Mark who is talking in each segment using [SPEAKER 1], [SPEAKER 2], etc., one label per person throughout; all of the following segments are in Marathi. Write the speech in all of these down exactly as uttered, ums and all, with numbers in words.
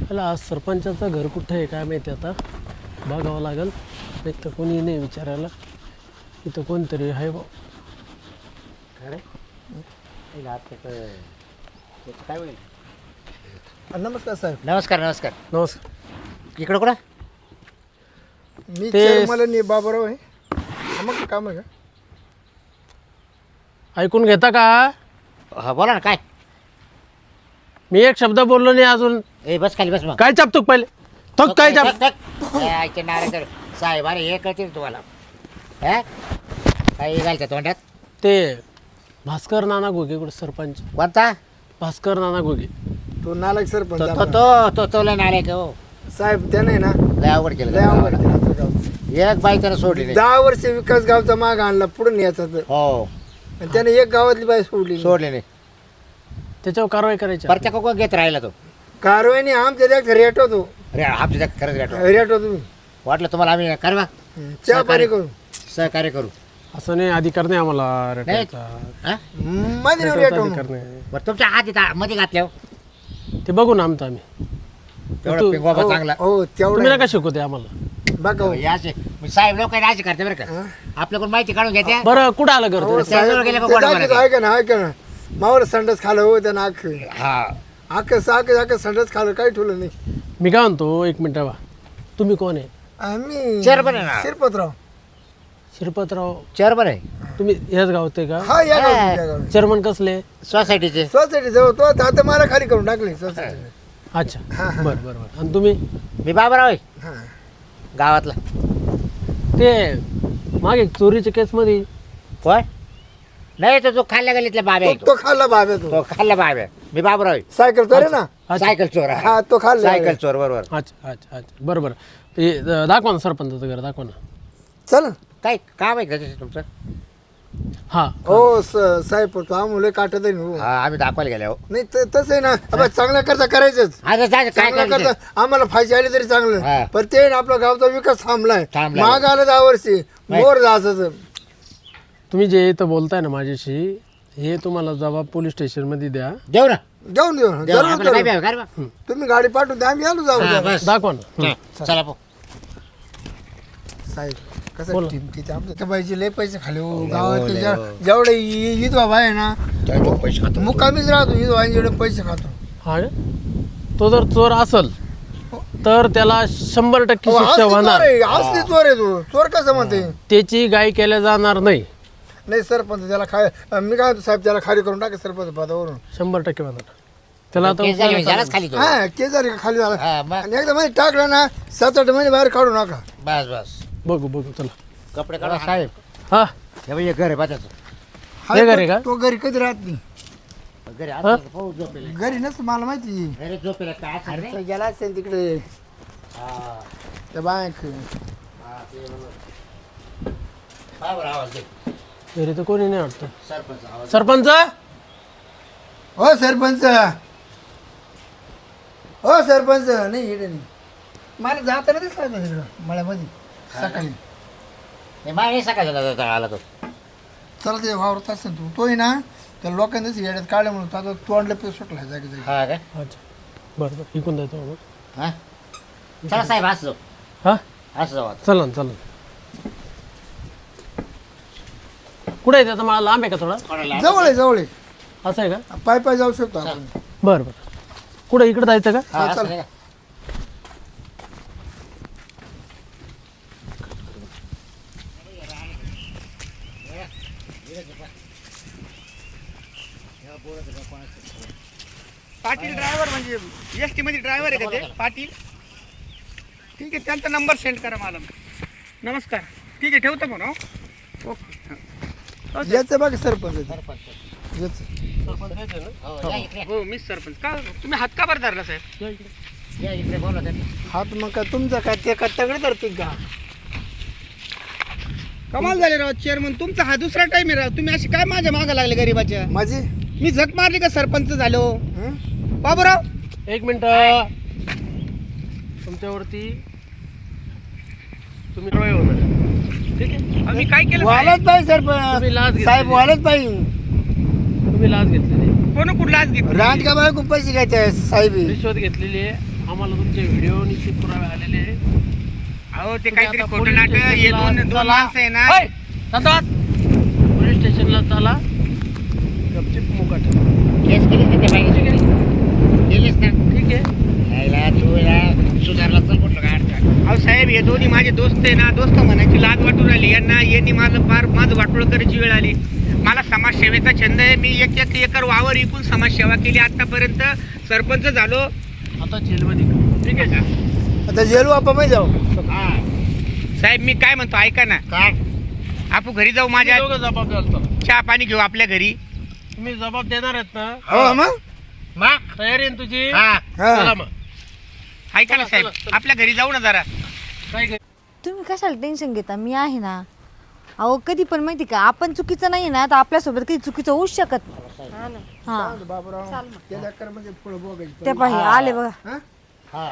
[SPEAKER 1] त्याला आज सरपंचाचं घर कुठं आहे काय माहिती, आता बघावं लागेल. एक तर कोणी नाही विचारायला, इथं कोणतरी आहे बा.
[SPEAKER 2] काय होईल?
[SPEAKER 3] नमस्कार साहेब.
[SPEAKER 2] नमस्कार नमस्कार.
[SPEAKER 1] नमस्कार.
[SPEAKER 2] इकडं कुठं?
[SPEAKER 3] मी
[SPEAKER 1] ते-
[SPEAKER 3] मला नाही बाबराव आहे. मग काम आहे का?
[SPEAKER 1] ऐकून घेता का?
[SPEAKER 2] हा बोला ना. काय?
[SPEAKER 1] मी एक शब्द बोललो नाही अजून.
[SPEAKER 2] ए बस खाली बस मग.
[SPEAKER 1] काय चापतूक पहिले थोक काय चाप.
[SPEAKER 2] ऐकते नारायण साहेब अरे हे कळतील तुम्हाला. हा काही घालतं तोंडात?
[SPEAKER 1] ते भास्कर नाना घोगे कुठे सरपंच?
[SPEAKER 2] कोणता?
[SPEAKER 1] भास्कर नाना घोगे.
[SPEAKER 3] तो नालायक सरपंच
[SPEAKER 2] तो तो
[SPEAKER 3] आपला.
[SPEAKER 2] तो तो तो लय नालायक आहे हो.
[SPEAKER 3] साहेब त्याने ना
[SPEAKER 2] लय अवघड केलं
[SPEAKER 3] लय अवघड
[SPEAKER 2] गावाला.
[SPEAKER 3] केलं आपल्या गावाचं.
[SPEAKER 2] एक बाई त्यानं सोडली नाही.
[SPEAKER 3] दहा वर्ष विकास गावचा माग आणला पुढे न्यायचा तर.
[SPEAKER 2] हो
[SPEAKER 3] आणि त्याने एक गावातली बाई सोडली नाही.
[SPEAKER 2] सोडले नाही.
[SPEAKER 1] त्याच्यावर कारवाई करायची.
[SPEAKER 2] परच्या कोण घेत राहिला तो.
[SPEAKER 3] कारवाईने आमच्या त्या रेट होतो
[SPEAKER 2] अरे आमच्या खरंच रेट
[SPEAKER 3] रेट होतो तुम्ही
[SPEAKER 2] वाटलं तुम्हाला आम्ही करवा
[SPEAKER 3] चहा पाणी करू
[SPEAKER 2] सहकार्य करू.
[SPEAKER 1] असं नाही, अधिकार नाही आम्हाला
[SPEAKER 2] नाही.
[SPEAKER 1] रेटायचा.
[SPEAKER 2] हा?
[SPEAKER 3] मध्ये रेट
[SPEAKER 1] रेटायचा
[SPEAKER 3] होतो.
[SPEAKER 1] अधिकार नाही.
[SPEAKER 2] बरं तुमच्या हात इथं मध्ये घातल्यावर
[SPEAKER 1] ते बघू ना आमचं आम्ही.
[SPEAKER 2] तेवढा
[SPEAKER 1] तू-
[SPEAKER 2] पिंगोबा
[SPEAKER 3] हो
[SPEAKER 2] चांगला.
[SPEAKER 3] हो,
[SPEAKER 1] तुम्ही
[SPEAKER 3] तेवढं
[SPEAKER 1] नका शिकवते आम्हाला.
[SPEAKER 3] बघा हो.
[SPEAKER 2] हे असे म्हणजे साहेब लोक असे करते बरं का. आपल्याकडून माहिती काढून घेते.
[SPEAKER 1] बरं कुठं आलं घर
[SPEAKER 3] हो,
[SPEAKER 1] तुमचं?
[SPEAKER 3] साहेब,
[SPEAKER 2] त्याजवळ गेले का
[SPEAKER 3] ते
[SPEAKER 2] कोण
[SPEAKER 3] दाखवतो,
[SPEAKER 2] म्हणा?
[SPEAKER 3] ऐका ना ऐका ना मावर संडस खालं हो त्यानं आख
[SPEAKER 2] हा
[SPEAKER 3] आख साख आख संडस खालं काही ठेवलं नाही.
[SPEAKER 1] मी काय म्हणतो, एक मिनिट बा. तुम्ही कोण आहे?
[SPEAKER 3] आम्ही
[SPEAKER 2] चेअरमन आहे ना.
[SPEAKER 3] शिरपतराव.
[SPEAKER 1] श्रीपतराव.
[SPEAKER 2] चेअरमन आहे
[SPEAKER 1] तुम्ही याच गावते का?
[SPEAKER 3] हा या
[SPEAKER 2] हा.
[SPEAKER 3] गावात, या गावात.
[SPEAKER 1] चेअरमन कसले?
[SPEAKER 2] सोसायटीचे.
[SPEAKER 3] सोसायटी जवळ तो आता मला खाली करून टाकली सोसायटी.
[SPEAKER 1] अच्छा बरं बरं बरं. आणि तुम्ही?
[SPEAKER 2] मी बाबाराव आहे
[SPEAKER 3] हा.
[SPEAKER 2] गावातला.
[SPEAKER 1] ते मागे चोरीच्या केसमध्ये
[SPEAKER 2] कोण? नाही तो जो खाल्ल्या गलीतला बाबा आहे
[SPEAKER 3] तो-
[SPEAKER 2] तो.
[SPEAKER 3] तो खाल्ला बाब्या तो
[SPEAKER 2] तो खाल्ला बाबा आहे. मी बाबाराव आहे.
[SPEAKER 3] सायकल चोरे ना.
[SPEAKER 1] अच्छा
[SPEAKER 2] सायकल चोर हा.
[SPEAKER 3] हा तो खाल्ला
[SPEAKER 2] सायकल चोर बरोबर.
[SPEAKER 1] अच्छा अच्छा अच्छा बरं बरं. हे द- दाखवा ना सरपंचाचं घर, दाखवा ना.
[SPEAKER 3] चल
[SPEAKER 2] काय काम आहे त्याच्याशी तुमचं?
[SPEAKER 1] हा
[SPEAKER 3] हो स- साहेब तो आम्हाला काटत आहे ना हो.
[SPEAKER 2] हा आम्ही दाखवायला गेलो.
[SPEAKER 3] नाही त- तसं आहे ना अब चांगल्या करता करायचंच.
[SPEAKER 2] आता जायचं काय
[SPEAKER 3] चांगलं
[SPEAKER 2] करायचं?
[SPEAKER 3] करता आम्हाला फायदे आले तरी
[SPEAKER 2] हा.
[SPEAKER 3] चांगलं पण ते ना आपला गावचा विकास थांबलाय.
[SPEAKER 2] थांबलाय.
[SPEAKER 3] माग आलं दहा वर्षी मोर जायचं.
[SPEAKER 1] तुम्ही जे इथं बोलताय ना माझ्याशी, हे तुम्हाला जबाब पोलीस स्टेशनमध्ये द्या.
[SPEAKER 2] देऊ ना.
[SPEAKER 3] देऊन देऊ
[SPEAKER 2] देऊ ना.
[SPEAKER 3] जरूर
[SPEAKER 2] आपल्याला काय
[SPEAKER 3] करू.
[SPEAKER 2] बी- काय बा?
[SPEAKER 3] तुम्ही गाडी पाठवून द्या आम्ही आलो जाऊ
[SPEAKER 2] हा,
[SPEAKER 3] द्या.
[SPEAKER 2] बस.
[SPEAKER 1] दाखवा ना.
[SPEAKER 2] चल, चला पो.
[SPEAKER 3] साहेब कसं
[SPEAKER 1] बोला.
[SPEAKER 3] टीम किती आमच्या त्या बाईचे लय पैसे खाले हो
[SPEAKER 2] लय
[SPEAKER 3] गावात
[SPEAKER 2] हो, लय
[SPEAKER 3] जेव-
[SPEAKER 2] हो.
[SPEAKER 3] जेवढे इ- ईद बाबा आहे ना
[SPEAKER 2] त्याचे पैसे खातो.
[SPEAKER 3] मुक्कामीच राहतो ईद बाबा जेवढे पैसे खातो.
[SPEAKER 1] हा तो जर चोर असल तर त्याला शंभर टक्के
[SPEAKER 3] अहो,
[SPEAKER 1] शिक्षा
[SPEAKER 3] असली चोर
[SPEAKER 1] होणार.
[SPEAKER 3] आहे, असली चोर आहे तो. चोर कसं म्हणते?
[SPEAKER 1] त्याची गाय केल्या जाणार नाही.
[SPEAKER 3] नाही सरपंच त्याला खाय मी काय म्हणतो साहेब त्याला खाली करून टाका सरपंच पदावरून.
[SPEAKER 1] शंभर टक्के होणार. त्याला आता
[SPEAKER 2] केस झाले म्हणजे झालाच खाली तो.
[SPEAKER 3] हा के झाली का खाली झाला
[SPEAKER 2] हा, मग.
[SPEAKER 3] आणि एकदा मध्ये टाकलं ना सात आठ महिने बाहेर काढू नका.
[SPEAKER 2] बस बस
[SPEAKER 1] बघू बघू चला.
[SPEAKER 2] कपडे काढा साहेब.
[SPEAKER 1] हा
[SPEAKER 2] हे बघ, हे घर आहे बा त्याचं.
[SPEAKER 3] हा,
[SPEAKER 1] हे
[SPEAKER 3] तो-
[SPEAKER 1] घरी का?
[SPEAKER 3] तो घरी कधी राहत नाही.
[SPEAKER 2] घरी
[SPEAKER 1] हा?
[SPEAKER 2] आता पाहू झोपेले.
[SPEAKER 3] घरी नसतं मला माहिती.
[SPEAKER 2] घरी झोपेले काय असं रे?
[SPEAKER 3] तो गेला असेल तिकडे
[SPEAKER 2] हा,
[SPEAKER 3] त्या बँक.
[SPEAKER 2] हा, ते बरोबर. काय बरं आवाज दे.
[SPEAKER 1] घरी तर कोणी नाही वाटतं.
[SPEAKER 2] सरपंच आवाज.
[SPEAKER 1] सरपंच
[SPEAKER 3] हो सरपंच हो सरपंच नाही इकडे नाही मला जाताना दिसला होता तिकडं मळ्यामध्ये सकाळी.
[SPEAKER 2] हे मागे सकाळचा दादा आला तो.
[SPEAKER 3] चला ते वावरत असेल तू तोही ना त्या लोकांनीच येड्यात काढले म्हणून तो आता तोंडला पे सुटला जागी जागी.
[SPEAKER 2] हा काय?
[SPEAKER 1] अच्छा बरं बरं इकून जायचं मग.
[SPEAKER 2] हा? चला साहेब असं जाऊ.
[SPEAKER 1] हा
[SPEAKER 2] असं जाऊ आता.
[SPEAKER 1] चला ना चला ना. कुठे आहे आता? मला लांब आहे का थोडा?
[SPEAKER 2] थोडं लांब.
[SPEAKER 3] जवळ आहे जवळ आहे
[SPEAKER 1] असं आहे का?
[SPEAKER 3] पाय पाय जाऊ शकतो आपण.
[SPEAKER 1] बरं बरं. कुठं इकडे जायचं का?
[SPEAKER 2] हा,
[SPEAKER 3] हा,
[SPEAKER 2] असं
[SPEAKER 3] चल.
[SPEAKER 2] नाही का?
[SPEAKER 4] पाटील ड्रायव्हर म्हणजे एस टी मध्ये ड्रायव्हर आहे का ते पाटील? ठीक आहे त्यांचा नंबर सेंड करा मला. नमस्कार. ठीक आहे ठेवतो पण हो. ओके.
[SPEAKER 3] याचं बघ सरपंच आहे.
[SPEAKER 2] सरपंच.
[SPEAKER 3] याचं.
[SPEAKER 2] हो, या इकडे.
[SPEAKER 4] हो मिस सरपंच का तुम्ही हात का बरं धरला साहेब?
[SPEAKER 2] या इकडे बोला त्यांनी.
[SPEAKER 3] हात मग काय तुमचं काय ते काय तगडे धरतील का?
[SPEAKER 4] कमाल झाले राव चेअरमन तुमचा हा दुसरा टाइम आहे राव. तुम्ही अशी काय माझ्या मागं लागले गरीबाच्या?
[SPEAKER 3] माझी
[SPEAKER 4] मी झक मारली का सरपंच झालो
[SPEAKER 3] हं?
[SPEAKER 4] बाबूराव?
[SPEAKER 1] एक मिनिट. तुमच्यावरती तुम्ही डोळे होणार. ठीक आहे.
[SPEAKER 4] आम्ही काय केलं
[SPEAKER 3] वालच पाहिजे
[SPEAKER 1] तुम्ही लाच
[SPEAKER 3] सरपंच
[SPEAKER 1] घेतली.
[SPEAKER 3] साहेब वालच पाहिजे.
[SPEAKER 1] तुम्ही लाच घेतलेली आहे.
[SPEAKER 4] कोण कुठला आज घेतली?
[SPEAKER 3] रांट का बाय खूप पैसे घ्यायचे साहेब.
[SPEAKER 1] रिश्वत घेतलेली आहे. आम्हाला तुमचे व्हिडिओ निश्चित पुरावे आलेले आहे.
[SPEAKER 4] अहो ते
[SPEAKER 1] तुम्ही
[SPEAKER 4] काहीतरी
[SPEAKER 1] आता
[SPEAKER 4] खोटं
[SPEAKER 1] पोलीस
[SPEAKER 4] नाटक हे
[SPEAKER 1] स्टेशनला
[SPEAKER 4] दोन दोन
[SPEAKER 1] चला.
[SPEAKER 4] माणसं आहे ना
[SPEAKER 1] ओय, संतोष! पोलीस स्टेशनला चला, गपचिप मुकाट.
[SPEAKER 2] केस केलीस ना त्या बाईने? केलीस ना?
[SPEAKER 1] ठीक आहे.
[SPEAKER 2] यायला तू याला सुधारला चल म्हटलं काय अडचण.
[SPEAKER 4] अहो साहेब हे दोन्ही माझे दोस्त आहे ना, दोस्त म्हणायची लाज वाटून राहिली यांना. यांनी माझं फार माझं वाटोळ करायची वेळ आली. मला समाजसेवेचा छंद आहे. मी एक एक एकर वावर विकून समाजसेवा केली आतापर्यंत. सरपंच झालो.
[SPEAKER 1] आता जेलमध्ये का?
[SPEAKER 4] ठीक आहे का?
[SPEAKER 3] आता जेलू आपण माहिती जाऊ.
[SPEAKER 2] हा.
[SPEAKER 4] साहेब मी काय म्हणतो ऐका ना,
[SPEAKER 2] काय?
[SPEAKER 4] आपण घरी जाऊ माझ्या
[SPEAKER 1] तुम्ही दोघं जबाब द्याल चला.
[SPEAKER 4] चहा पाणी घेऊ आपल्या घरी.
[SPEAKER 1] तुम्ही जबाब देणार आहेत ना?
[SPEAKER 3] हो मग
[SPEAKER 2] मग?
[SPEAKER 1] तयारी आहे ना तुझी?
[SPEAKER 2] हा.
[SPEAKER 3] हा.
[SPEAKER 1] चला मग.
[SPEAKER 4] ऐका ना
[SPEAKER 1] चला,
[SPEAKER 4] साहेब
[SPEAKER 1] चला, चला.
[SPEAKER 4] आपल्या घरी जाऊ ना जरा.
[SPEAKER 1] काय काय?
[SPEAKER 5] तुम्ही कशाला टेन्शन घेता, मी आहे ना. अहो कधी पण माहिती का, आपण चुकीचं नाही ना तर आपल्यासोबत कधी चुकीचं होऊच शकत नाही. हा
[SPEAKER 3] बाबूराव त्या कर्माचे फळ बघायचे.
[SPEAKER 5] ते पाहिजे आले बघा.
[SPEAKER 2] हा.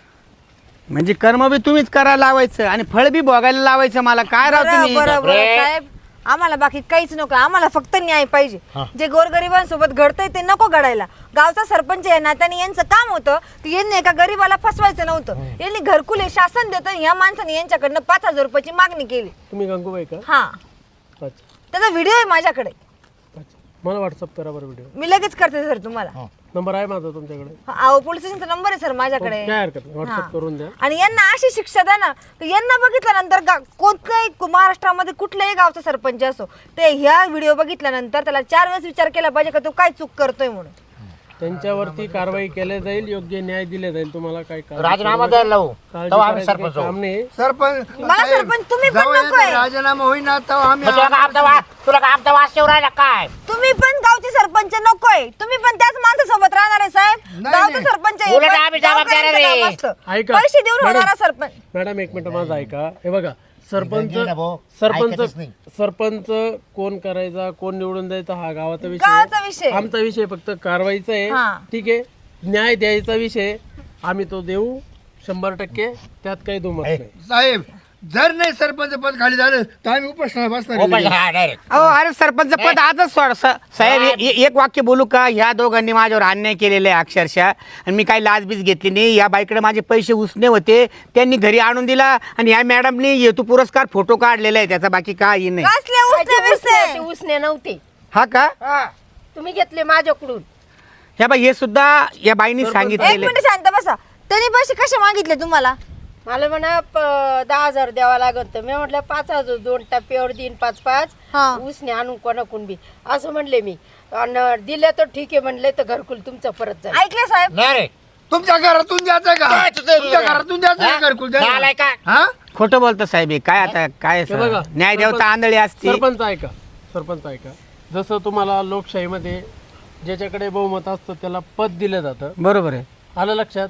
[SPEAKER 4] म्हणजे कर्म बी तुम्हीच करायला लावायचं आणि फळ बी भोगायला लावायचं. मला काय राव
[SPEAKER 5] बरं
[SPEAKER 4] तुम्ही?
[SPEAKER 5] बरं बरं
[SPEAKER 2] बापरे.
[SPEAKER 5] साहेब, आम्हाला बाकी काहीच नको. आम्हाला फक्त न्याय पाहिजे.
[SPEAKER 2] हा.
[SPEAKER 5] जे गोरगरिबांसोबत घडतंय ते नको घडायला. गावचा सरपंच आहे ना, त्यांनी यांचं काम होतं की यांनी एका गरीबाला फसवायचं नव्हतं. यांनी घरकुल हे शासन देतं, या माणसाने यांच्याकडनं पाच हजार रुपयाची मागणी केली.
[SPEAKER 1] तुम्ही गंगूबाई का?
[SPEAKER 5] हा,
[SPEAKER 1] अच्छा
[SPEAKER 5] त्याचा व्हिडिओ आहे माझ्याकडे.
[SPEAKER 1] अच्छा, मला व्हॉट्सअप करा बरं व्हिडिओ.
[SPEAKER 5] मी लगेच करते सर तुम्हाला.
[SPEAKER 1] नंबर आहे माझा तुमच्याकडे?
[SPEAKER 5] अहो पोलीस स्टेशनचा नंबर आहे सर माझ्याकडे.
[SPEAKER 1] काय हरकत नाही,
[SPEAKER 5] हा.
[SPEAKER 1] व्हॉट्सअप करून द्या.
[SPEAKER 5] आणि यांना अशी शिक्षा द्या ना की यांना बघितल्यानंतर गा- कोणत्याही महाराष्ट्रामध्ये कुठल्याही गावचा सरपंच असो ते ह्या व्हिडिओ बघितल्यानंतर त्याला चार वेळेस विचार केला पाहिजे का तो काय चूक करतोय म्हणून.
[SPEAKER 1] त्यांच्यावरती कारवाई केली जाईल, योग्य न्याय दिले जाईल. तुम्हाला काय काळजी
[SPEAKER 2] राजीनामा
[SPEAKER 1] करायची-
[SPEAKER 2] द्यायला लावू
[SPEAKER 1] काळजी
[SPEAKER 2] तेव्हा आम्ही
[SPEAKER 1] करायचं काही
[SPEAKER 2] सरपंच होऊ.
[SPEAKER 1] काम नाही.
[SPEAKER 3] सरपंच
[SPEAKER 5] मला
[SPEAKER 3] साहेब,
[SPEAKER 5] सरपंच तुम्ही पण
[SPEAKER 3] जेव्हा
[SPEAKER 5] नकोय.
[SPEAKER 3] याचा राजीनामा होईना तेव्हा आम्ही
[SPEAKER 2] मग तुला का आमचा वा तुला का आमचा वास येऊ राहिला काय?
[SPEAKER 5] तुम्ही पण गावचे सरपंच नकोय. तुम्ही पण त्याच माणसासोबत राहणार आहे साहेब.
[SPEAKER 3] नाही,
[SPEAKER 5] गावचा
[SPEAKER 3] नाही.
[SPEAKER 5] सरपंच आहे,
[SPEAKER 2] उलट
[SPEAKER 5] पण
[SPEAKER 2] आम्ही जबाबदार
[SPEAKER 5] गावकऱ्यांचं
[SPEAKER 2] आहे.
[SPEAKER 5] काम असतं.
[SPEAKER 1] ऐका.
[SPEAKER 5] पैसे देऊन
[SPEAKER 1] मॅडम.
[SPEAKER 5] होणारा सरपंच.
[SPEAKER 1] मॅडम एक मिनिट माझं ऐका. हे बघा सरपंच
[SPEAKER 2] घे ना भाऊ.
[SPEAKER 1] सरपंच
[SPEAKER 2] ऐकतच नाही.
[SPEAKER 1] सरपंच कोण करायचा कोण निवडून द्यायचा हा गावाचा
[SPEAKER 5] गावाचा
[SPEAKER 1] विषय
[SPEAKER 5] विषय.
[SPEAKER 1] आहे. आमचा विषय फक्त कारवाईचा आहे.
[SPEAKER 5] हा.
[SPEAKER 1] ठीक आहे, न्याय द्यायचा विषय आम्ही तो देऊ शंभर टक्के, त्यात काही दुमत
[SPEAKER 2] ए.
[SPEAKER 1] नाही.
[SPEAKER 3] साहेब जर नाही सरपंच पद खाली झालं तर आम्ही उपोषणाला
[SPEAKER 2] हो
[SPEAKER 3] बसणार.
[SPEAKER 2] पण हा डायरेक्ट.
[SPEAKER 4] अहो अरे सरपंच पद आजच सोड. स- साहेब ए- ए- एक वाक्य बोलू का? ह्या दोघांनी माझ्यावर अन्याय केलेला आहे अक्षरशः. आणि मी काही लाजबीज घेतली नाही. या बाईकडे माझे पैसे उसने होते, त्यांनी घरी आणून दिला. आणि ह्या मॅडमनी हेतू पुरस्कार फोटो काढलेला आहे त्याचा, बाकी काही नाही.
[SPEAKER 5] कसले उसने
[SPEAKER 6] ते
[SPEAKER 5] बिसने?
[SPEAKER 6] उसने नव्हते.
[SPEAKER 4] हा का?
[SPEAKER 6] हा, तुम्ही घेतले माझ्याकडून.
[SPEAKER 4] ह्या बाई हे सुद्धा या बाईनी
[SPEAKER 5] एक
[SPEAKER 4] सांगितलेलं
[SPEAKER 5] मिनिट शांत बसा. त्यांनी पैसे कसे मागितले तुम्हाला?
[SPEAKER 6] मला म्हणा प- दहा हजार द्यावा लागत तर मी म्हटलं पाच हजार दोन टप्प्यावर देईन पाच पाच
[SPEAKER 5] हा.
[SPEAKER 6] उसने आणून कोणाकडून बी असं म्हणले मी. आणि दिले तर ठीक आहे म्हणले तर घरकुल तुमचं परत जाईल.
[SPEAKER 5] ऐकले साहेब?
[SPEAKER 2] नाही रे.
[SPEAKER 3] तुमच्या घरातून द्यायचं का?
[SPEAKER 2] काय तुझं-
[SPEAKER 3] तुमच्या घरातून द्यायचं
[SPEAKER 2] हा?
[SPEAKER 3] का घरकुल द्यायचं?
[SPEAKER 2] झालंय का?
[SPEAKER 3] हा?
[SPEAKER 4] खोटं बोलतं साहेब हे. काय आता काय
[SPEAKER 1] हे बघा,
[SPEAKER 4] असं? न्याय देवता
[SPEAKER 1] सरपंच-
[SPEAKER 4] आंधळी असते.
[SPEAKER 1] सरपंच ऐका सरपंच ऐका जसं तुम्हाला लोकशाहीमध्ये ज्याच्याकडे बहुमत असतं त्याला पद दिलं जातं,
[SPEAKER 4] बरोबर आहे.
[SPEAKER 1] आलं लक्षात?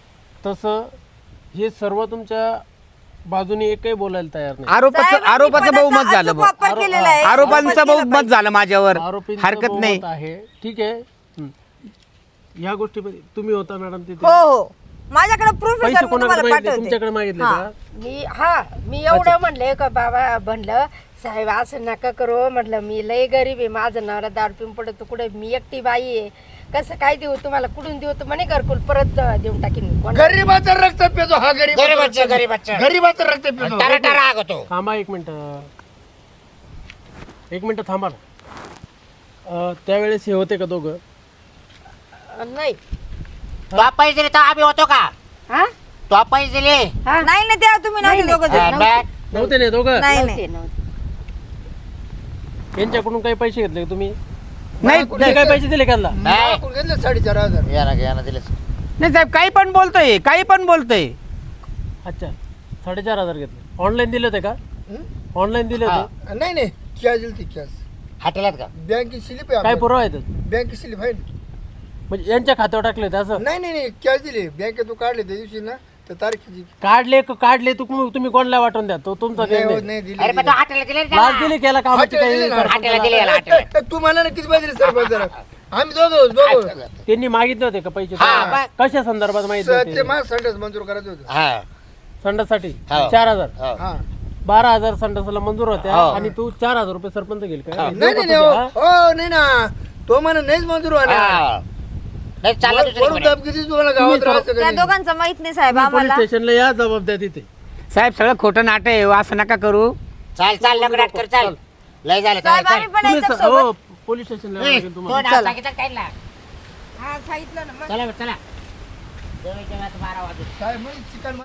[SPEAKER 1] तसं हे सर्व तुमच्या बाजूने एकही बोलायला तयार नाही.
[SPEAKER 4] आरोपाचं
[SPEAKER 5] साहेबांनी
[SPEAKER 4] आरोपाचं
[SPEAKER 5] पदाचा
[SPEAKER 4] बहुमत झालं
[SPEAKER 5] अचूक
[SPEAKER 4] बुवा.
[SPEAKER 5] वापर केलेला आहे.
[SPEAKER 4] आरोपांचं
[SPEAKER 5] वापर केला
[SPEAKER 4] बहुमत
[SPEAKER 5] पाहिजे.
[SPEAKER 4] झालं माझ्यावर.
[SPEAKER 1] आरोपींचं
[SPEAKER 4] हरकत नाही.
[SPEAKER 1] बहुमत आहे. ठीक आहे. हं. ह्या गोष्टीमध्ये तुम्ही होता मॅडम तिथे?
[SPEAKER 5] हो हो, माझ्याकडे प्रूफ आहे
[SPEAKER 1] पैसे
[SPEAKER 5] सर, मी
[SPEAKER 1] कोणाकडे
[SPEAKER 5] तुम्हाला
[SPEAKER 1] मागितले?
[SPEAKER 5] पाठवते.
[SPEAKER 1] तुमच्याकडे मागितले
[SPEAKER 5] हा.
[SPEAKER 1] का?
[SPEAKER 6] मी हा मी एवढं म्हणले का बाबा म्हणलं साहेब असं नका करू. म्हटलं मी लय गरीब आहे, माझं नवरा दारू पिऊन पडतो कुठे, मी एकटी बाई आहे, कसं काय देऊ तुम्हाला, कुठून देऊ तर म्हणे घरकुल परत देऊन टाकीन मी. कोण-
[SPEAKER 3] गरीबाचं रक्त पितो हा गरीब
[SPEAKER 2] गरीबाचं गरीबाचं
[SPEAKER 3] गरीबाचं रक्त पितो.
[SPEAKER 2] टारा टारा आग होतो.
[SPEAKER 1] थांबा एक मिनिट एक मिनिट थांबा ना. अं, त्यावेळेस हे होते का दोघं?
[SPEAKER 6] नाही.
[SPEAKER 2] तो पैसे दिले तर आम्ही होतो का?
[SPEAKER 6] हा
[SPEAKER 2] तो पैसे दिले
[SPEAKER 6] हा
[SPEAKER 5] नाही नाही त्या तुम्ही नव्हते दोघं जण.
[SPEAKER 2] हा, मग?
[SPEAKER 1] नव्हते नाही दोघं?
[SPEAKER 5] नाही
[SPEAKER 6] नव्हते
[SPEAKER 5] नाही
[SPEAKER 6] नव्हते.
[SPEAKER 1] यांच्याकडून काही पैसे घेतले का तुम्ही?
[SPEAKER 4] नाही
[SPEAKER 1] तुम्ही काही पैसे दिले का त्यांना?
[SPEAKER 2] नाही.
[SPEAKER 3] आपण घेतले साडेचार हजार.
[SPEAKER 2] या ना या ना दिलेच.
[SPEAKER 4] नाही साहेब काही पण बोलतोय, काही पण बोलतोय.
[SPEAKER 1] अच्छा, साडेचार हजार घेतले. ऑनलाईन दिले होते का?
[SPEAKER 3] हं?
[SPEAKER 1] ऑनलाईन दिले
[SPEAKER 2] हा.
[SPEAKER 1] होते?
[SPEAKER 3] नाही नाही कॅश दिली ती कॅश.
[SPEAKER 2] हॉटेलात का?
[SPEAKER 3] बँकेची स्लिप आहे
[SPEAKER 1] काय
[SPEAKER 3] आपल्याकडे.
[SPEAKER 1] पुरावा आहेत?
[SPEAKER 3] बँकेची स्लिप आहे ना.
[SPEAKER 1] म्हणजे यांच्या खात्यावर टाकले होते असं?
[SPEAKER 3] नाही नाही नाही कॅश दिली बँकेतून काढले त्या दिवशी ना त्या तारखेची.
[SPEAKER 1] काढले काढले तू तुम्ही कोणाला वाटून द्या, तो तुमचा
[SPEAKER 3] नाही
[SPEAKER 1] निर्णय.
[SPEAKER 3] हो, नाही दिली
[SPEAKER 2] अरे पण तो हॉटेलला दिले ना
[SPEAKER 1] लाच
[SPEAKER 2] त्याला.
[SPEAKER 1] दिली केला कामाची
[SPEAKER 3] हॉटेल
[SPEAKER 1] काही
[SPEAKER 3] दिली ना.
[SPEAKER 1] सरपंचाला.
[SPEAKER 2] हॉटेलला दिले याला हॉटेलला.
[SPEAKER 3] तू मला ना किती पाहिजे सरपंच जरा आम्ही दोघं दोघं
[SPEAKER 1] त्यांनी मागितले होते का पैसे?
[SPEAKER 2] हा, बा-
[SPEAKER 1] कशा संदर्भात माहिती
[SPEAKER 3] ते
[SPEAKER 1] होते?
[SPEAKER 3] माझं संडास मंजूर करायचं होतं.
[SPEAKER 2] हा.
[SPEAKER 1] संडासाठी
[SPEAKER 2] हो.
[SPEAKER 1] चार हजार
[SPEAKER 2] हो.
[SPEAKER 3] हा
[SPEAKER 1] बारा हजार संडासाला मंजूर होत्या
[SPEAKER 2] हो.
[SPEAKER 1] आणि तू चार हजार रुपये सरपंच घेईल का?
[SPEAKER 2] हो.
[SPEAKER 3] नाही नाही नाही हो. हो नाही ना तो म्हणा नाहीच मंजूर होणार.
[SPEAKER 2] हा. नाही चालला दुसरीकडे.
[SPEAKER 3] वरून दाब किती तुम्हाला गावात राहायचं का
[SPEAKER 5] त्या
[SPEAKER 3] नाही?
[SPEAKER 5] दोघांचं माहित नाही साहेब
[SPEAKER 1] पोलीस
[SPEAKER 5] आम्हाला
[SPEAKER 1] स्टेशनला या जबाबदारी तिथे
[SPEAKER 4] साहेब सगळं खोटं नाटक आहे हो, असं नका करू.
[SPEAKER 2] चाल चाल लग्न कर चाल लय झालं
[SPEAKER 5] साहेब
[SPEAKER 2] चाल
[SPEAKER 5] आम्ही पण
[SPEAKER 1] तुम्ही
[SPEAKER 5] यायचं
[SPEAKER 1] स-
[SPEAKER 5] सोबत.
[SPEAKER 1] हो पोलीस स्टेशनला यावं
[SPEAKER 2] ए,
[SPEAKER 1] लागेल
[SPEAKER 2] तो
[SPEAKER 1] तुम्हाला
[SPEAKER 2] नाव सांगितलं काय ना
[SPEAKER 6] हा सांगितलं ना मग.
[SPEAKER 2] चला चला जेवायच्या वेळात बारा वाजून
[SPEAKER 3] काय म्हणे चिकन